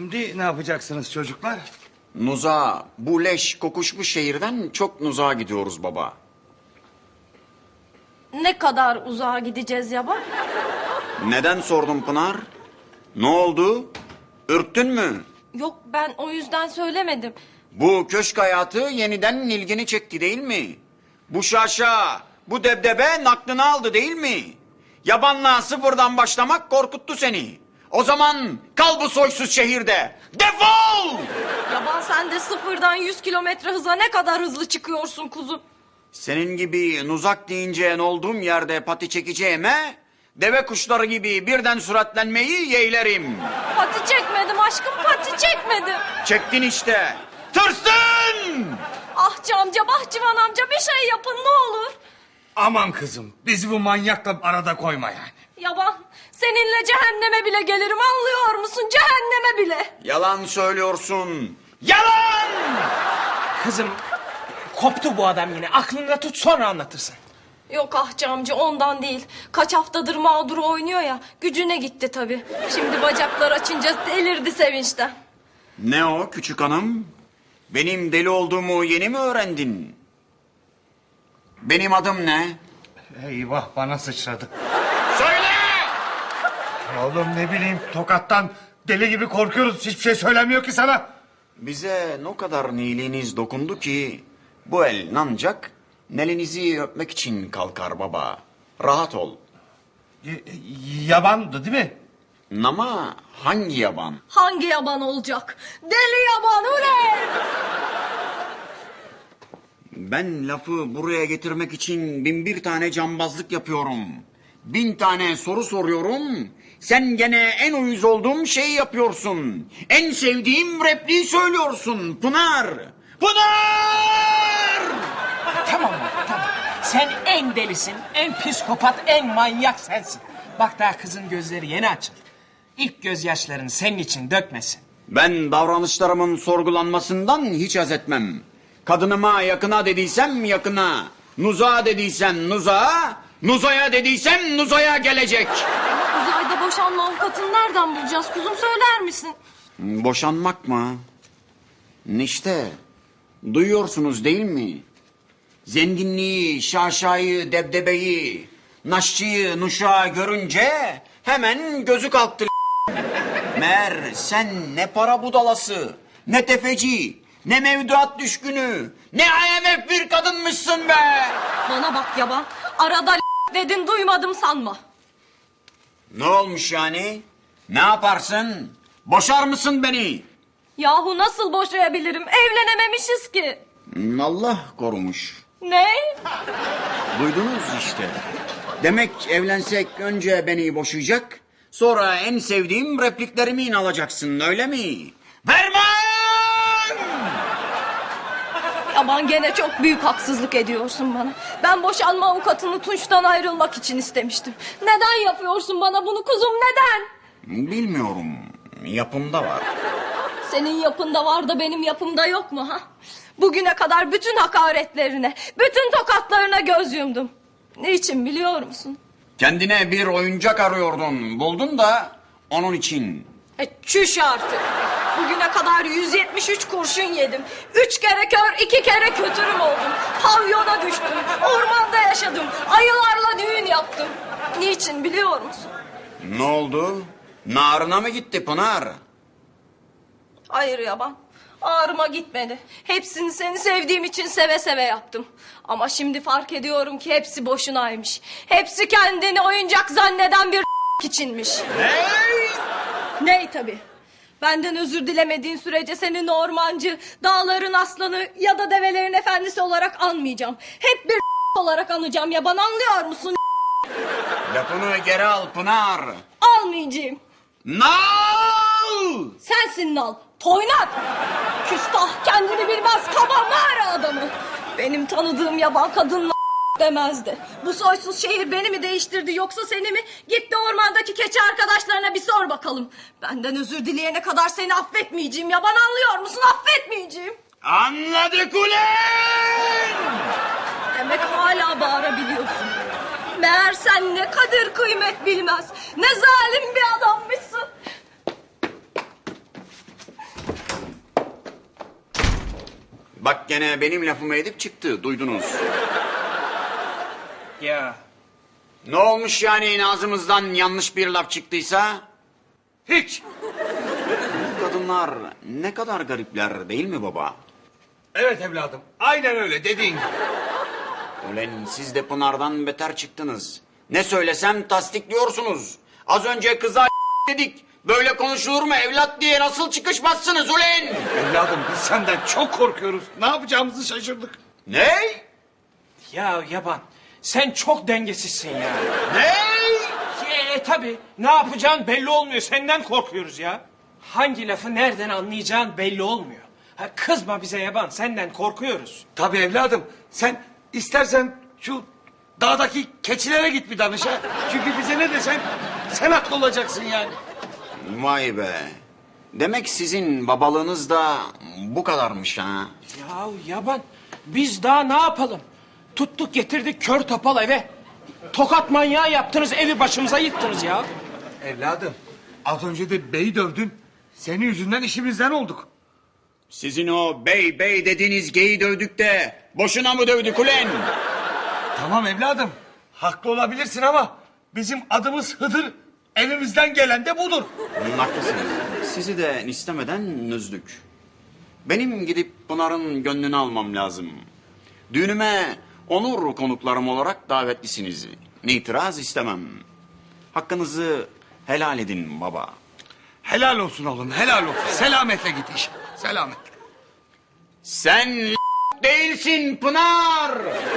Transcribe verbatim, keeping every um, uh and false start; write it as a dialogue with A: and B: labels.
A: Şimdi ne yapacaksınız çocuklar?
B: Nuza, bu leş kokuşmuş şehirden çok nuzağa gidiyoruz baba.
C: Ne kadar uzağa gideceğiz yaban?
B: Neden sordun Pınar? Ne oldu? Ürktün mü?
C: Yok, ben o yüzden söylemedim.
B: Bu köşk hayatı yeniden ilgini çekti değil mi? Bu şaşa, bu debdebe naklını aldı değil mi? Yabanla sıfırdan başlamak korkuttu seni. O zaman kal bu soysuz şehirde. Defol!
C: Yaban, sen de sıfırdan yüz kilometre hıza ne kadar hızlı çıkıyorsun kuzum.
B: Senin gibi nuzak deyince olduğum yerde pati çekeceğime... deve kuşları gibi birden süratlenmeyi yeğlerim.
C: Pati çekmedim aşkım, pati çekmedim.
B: Çektin işte. Tırsın!
C: Ah Camca, Bahçıvan amca, bir şey yapın ne olur.
A: Aman kızım, bizi bu manyakla arada koyma yani.
C: Yaban, seninle cehenneme bile gelirim, anlıyor musun? Cehenneme bile.
B: Yalan söylüyorsun. Yalan!
D: Kızım, koptu bu adam yine. Aklında tut, sonra anlatırsın.
C: Yok ah Camcı, ondan değil. Kaç haftadır mağdur oynuyor ya, gücüne gitti tabii. Şimdi bacaklar açınca delirdi sevinçten.
B: Ne o küçük hanım? Benim deli olduğumu yeni mi öğrendin? Benim adım ne?
A: Eyvah, bana sıçradı.
B: Söyle!
A: Oğlum ne bileyim, tokattan deli gibi korkuyoruz. Hiçbir şey söylemiyor ki sana.
B: Bize ne kadar iyiliğiniz dokundu ki... bu el ancak nelinizi öpmek için kalkar baba. Rahat ol.
A: Y- yabandı değil mi?
B: Ama hangi yaban?
C: Hangi yaban olacak? Deli yaban ulan!
B: Ben lafı buraya getirmek için bin bir tane cambazlık yapıyorum. Bin tane soru soruyorum. Sen gene en uyuz olduğum şeyi yapıyorsun. En sevdiğim repliği söylüyorsun Pınar. Pınar!
D: Tamam mı? Tamam. Sen en delisin, en psikopat, en manyak sensin. Bak daha kızın gözleri yeni açıldı. İlk gözyaşlarını senin için dökmesin.
B: Ben davranışlarımın sorgulanmasından hiç haz etmem. Kadınıma yakına dediysem yakına, nuzağa dediysem nuzağa, nuzaya dediysem nuzaya gelecek.
C: Uzayda boşanma avukatını nereden bulacağız kuzum, söyler misin?
B: Boşanmak mı? İşte duyuyorsunuz değil mi? Zenginliği, şaşayı, debdebeyi, naşçıyı, nuşağı görünce hemen gözü kalktı. Meğer sen ne para budalası, ne tefeci, ne mevduat düşkünü, ne I M F bir kadınmışsın be!
C: Bana bak yaban, arada dedin duymadım sanma.
B: Ne olmuş yani? Ne yaparsın? Boşar mısın beni?
C: Yahu nasıl boşayabilirim, evlenememişiz ki.
B: Allah korumuş.
C: Ne?
B: Duydunuz işte. Demek evlensek önce beni boşayacak, sonra en sevdiğim repliklerimi alacaksın, öyle mi? Vermem!
C: Yaban, gene çok büyük haksızlık ediyorsun bana. Ben boşanma avukatını Tunç'tan ayrılmak için istemiştim. Neden yapıyorsun bana bunu kuzum, neden?
B: Bilmiyorum, yapımda var.
C: Senin yapında var da benim yapımda yok mu ha? Bugüne kadar bütün hakaretlerine, bütün tokatlarına göz yumdum. Niçin biliyor musun?
B: Kendine bir oyuncak arıyordun, buldun da onun için.
C: E çüş artık. Bugüne kadar yüz yetmiş üç kurşun yedim. Üç kere kör, iki kere kötürüm oldum. Pavyona düştüm, ormanda yaşadım. Ayılarla düğün yaptım. Niçin biliyor musun?
B: Ne oldu? Narına mı gitti Pınar?
C: Hayır yaban. Ağrıma gitmedi. Hepsini seni sevdiğim için seve seve yaptım. Ama şimdi fark ediyorum ki hepsi boşunaymış. Hepsi kendini oyuncak zanneden bir içinmiş.
B: Hey!
C: Ney tabii. Benden özür dilemediğin sürece seni ormancı, dağların aslanı ya da develerin efendisi olarak anmayacağım. Hep bir olarak anacağım yaban, anlıyor musun?
B: Lafını geri al Pınar.
C: Almayacağım.
B: Nal!
C: Sensin nal, toynak. Küstah, kendini bilmez kaba mağara adamı. Benim tanıdığım yaban kadınla demezdi. Bu soysuz şehir beni mi değiştirdi yoksa seni mi? Git de ormandaki keçi arkadaşlarına bir sor bakalım. Benden özür dileyene kadar seni affetmeyeceğim yaban, anlıyor musun? Affetmeyeceğim.
B: Anladık ulan!
C: Demek hala bağırabiliyorsun. Meğer sen ne kadir kıymet bilmez, ne zalim bir adammışsın.
B: Bak gene benim lafımı edip çıktı, duydunuz.
D: Ya
B: Ne olmuş yani ağzımızdan yanlış bir laf çıktıysa?
A: Hiç.
B: Bu kadınlar ne kadar garipler değil mi baba?
A: Evet evladım. Aynen öyle dediğin gibi.
B: Ulan siz de Pınar'dan beter çıktınız. Ne söylesem tasdikliyorsunuz. Az önce kıza dedik. Böyle konuşulur mu evlat diye nasıl çıkışmazsınız ulan?
A: Evladım biz senden çok korkuyoruz. Ne yapacağımızı şaşırdık.
B: Ne?
D: ya yaban sen çok dengesizsin ya.
B: Ne?
D: E tabi ne yapacağın belli olmuyor senden korkuyoruz ya. Hangi lafı nereden anlayacağın belli olmuyor. Ha, kızma bize yaban senden korkuyoruz.
A: Tabii evladım. Sen istersen şu dağdaki keçilere git bir danışa. Çünkü bize ne desen sen haklı olacaksın yani.
B: Vay be. Demek sizin babalığınız da bu kadarmış ha.
D: Ya yaban biz daha ne yapalım? Tuttuk getirdik kör topal eve. Tokat manyağı yaptınız evi başımıza yıktınız ya.
A: Evladım az önce de beyi dövdün. Senin yüzünden işimizden olduk.
B: Sizin o bey bey dediğiniz geyi dövdük de boşuna mı dövdük ulan?
A: Tamam evladım. Haklı olabilirsin ama bizim adımız Hıdır. Elimizden gelen de budur.
B: Haklısınız. Sizi de istemeden nüzdük. Benim gidip Pınar'ın gönlünü almam lazım. Düğünüme onur konuklarım olarak davetlisiniz. İtiraz istemem. Hakkınızı helal edin baba.
A: Helal olsun oğlum helal olsun. Selametle git iş. Selamet.
B: Sen değilsin Pınar.